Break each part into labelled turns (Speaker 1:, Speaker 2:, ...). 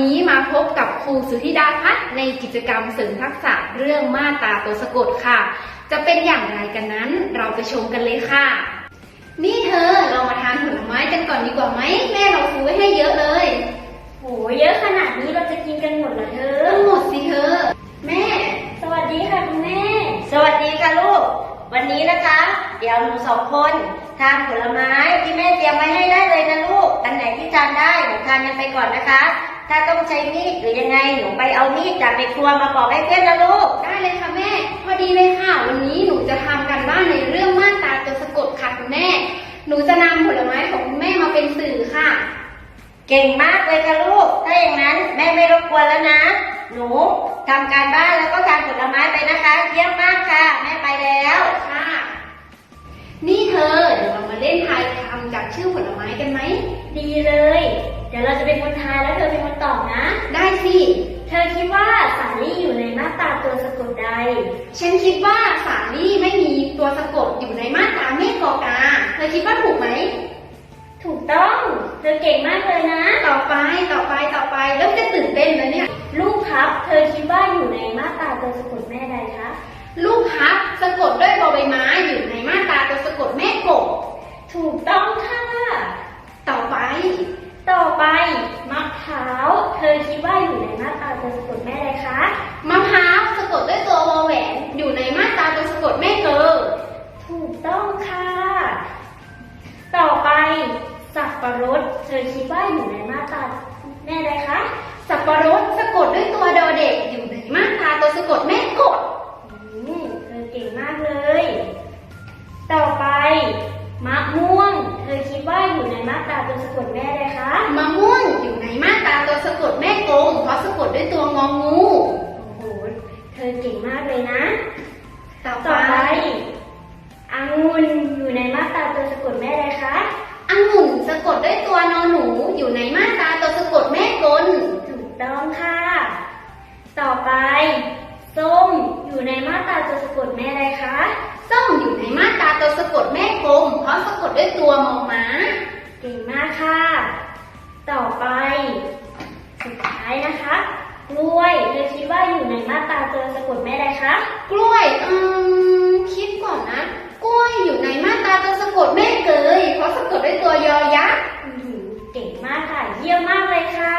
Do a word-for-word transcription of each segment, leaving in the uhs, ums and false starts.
Speaker 1: นี้มาพบกับครูสุธิดาพัฒน์ในกิจกรรมเสริมทักษะเรื่องมาตราตัวสะกดค่ะจะเป็นอย่างไรกันนั้นเราไปชมกันเลยค่ะนี่เธอเรามาทานผลไม้กันก่อนดีกว่าไหมแม่เราซื้อไว้ให้เยอะเลย
Speaker 2: โหเยอะขนาดนี้เราจะกินกันหมดเหรอเธอ
Speaker 1: ต้องหมดสิเธอแม่
Speaker 2: สวัสดีค่ะคุณแม่
Speaker 3: สวัสดีค่ะลูกวันนี้นะคะเดี๋ยวหนูสองคนทานผลไม้ที่แม่เตรียมไว้ให้ได้เลยนะลูกอันไหนที่ทานได้หนูทานกันไปก่อนนะคะถ้าต้องใช้มีดหรือยังไงหนูไปเอามีดจากในครัวมาปอกให้เพื่อนนะลูก
Speaker 1: ได้เลยค่ะแม่พอดีเลยค่ะวันนี้หนูจะทำกันบ้านในเรื่องมาตราตัวสะกดค่ะคุณแม่หนูจะนำผลไม้ของคุณแม่มาเป็นสื่อค่ะ
Speaker 3: เก่งมากเลยค่ะลูกถ้าอย่างนั้นแม่ไม่รบกวนแล้วนะหนูทำการบ้านแล้วก็ทานผลไม้ไปนะคะเยี่ยมมากค่ะแม่ไปแล้ว
Speaker 1: ค่ะนี่เธอเดี๋ยวเรามาเล่นทายคำจากชื่อผลไม้กันไหม
Speaker 2: ดีเลยเดี๋ยวเราจะเป็นคนทายแล้วเธอเป็นคนตอบนะ
Speaker 1: ได้สิ
Speaker 2: เธอคิดว่าสาลี่อยู่ในมาตราตัวสะกดใด
Speaker 1: ฉันคิดว่าสาลี่ไม่มีตัวสะกดอยู่ในมาตราเมฆกอกาเธอคิดว่าถูกไหม
Speaker 2: ถูกต้องเธอเก่งมากเลยนะ
Speaker 1: ต่อไปต่อไปต่อไปเริ่มจะตื่นเต้นแล้วเนี่ย
Speaker 2: ลูกพับเธอคิดว่าอยู่ในมาตราตัวสะกดแม่ใดคะ
Speaker 1: ลูกพับสะกดด้วยบอใบไม้อยู่ในมาตราตัวสะกดแม่กบ
Speaker 2: ถูกต้องค่ะ
Speaker 1: ต่อไป
Speaker 2: ต่อไปมะพร้าวเธอคิดว่าอยู่ในมาตราตัวสะกดแม่ใดคะ
Speaker 1: มะพร้าวสะกดด้วยตัววอแหวนอยู่ในมาตราตัวสะกดแม่เกอ
Speaker 2: ถูกต้องค่ะต่อไปสับปะรดเธอคิดว่าอยู่ในมาตราแม่ใดคะ
Speaker 1: สับปะรดสะกดด้วยตัวดอเด็กอยู่ในมาตราตัวสะกดแม่กด
Speaker 2: เธอเก่งมากเลยต่อไปมะม่วงเธอคิดว่าอยู่ในมาตราตัวสะกดแม่ใดคะ
Speaker 1: มะม่วงอยู่ในมาตราตัวสะกดแม่กงเพราะสะกดด้วยตัวงองู
Speaker 2: โอ้โหเธอเก่งมากเลยนะ
Speaker 1: ต่อไป
Speaker 2: องุ่นอยู่ในมาตราตัวสะกดแม่ใดคะ
Speaker 1: องุ่นสะกดด้วยตัวนอหนูอยู่ในมาตราตัวสะกดแม่กล
Speaker 2: ถูกต้องค่ะต่อไปส้มอยู่ในมาตราตัวสะกดแม่ใดคะ
Speaker 1: ส้มอยู่ในมาตราตัวสะกดแม่กลมเพราะสะกดด้วยตัวมอม้า
Speaker 2: เก่งมากค่ะต่อไปสุดท้ายนะคะกล้วยเธอคิดว่าอยู่ในมาตราตัวสะกดแม่ใดคะ
Speaker 1: กล้วยอืมคิดก่อนนะกล้วยอยู่ในมาตราตัวสะกดแม่เกยเพราะสะกดด้วยตัวยอยักษ์
Speaker 2: เก่งมากค่ะเยี่ยมมากเลยค่ะ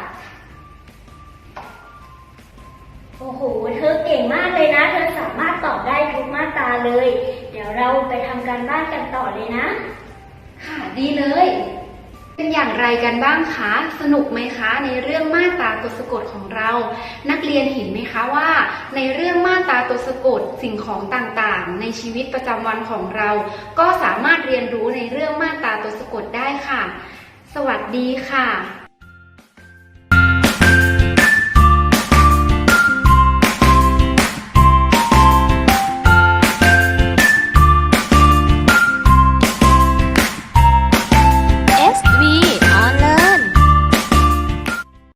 Speaker 2: โอ้โหเธอเก่งมากเลยนะเธอสามารถตอบได้ทุกมาตราเลยเดี๋ยวเราไปทำการบ้านกันต่อเลยนะ
Speaker 1: ค่ะดีเลยเป็นอย่างไรกันบ้างคะสนุกไหมคะในเรื่องมาตราตัวสะกดของเรานักเรียนเห็นไหมคะว่าในเรื่องมาตราตัวสะกดสิ่งของต่างๆในชีวิตประจำวันของเราก็สามารถเรียนรู้ในเรื่องมาตราตัวสะกดได้ค่ะสวัสดีค่ะ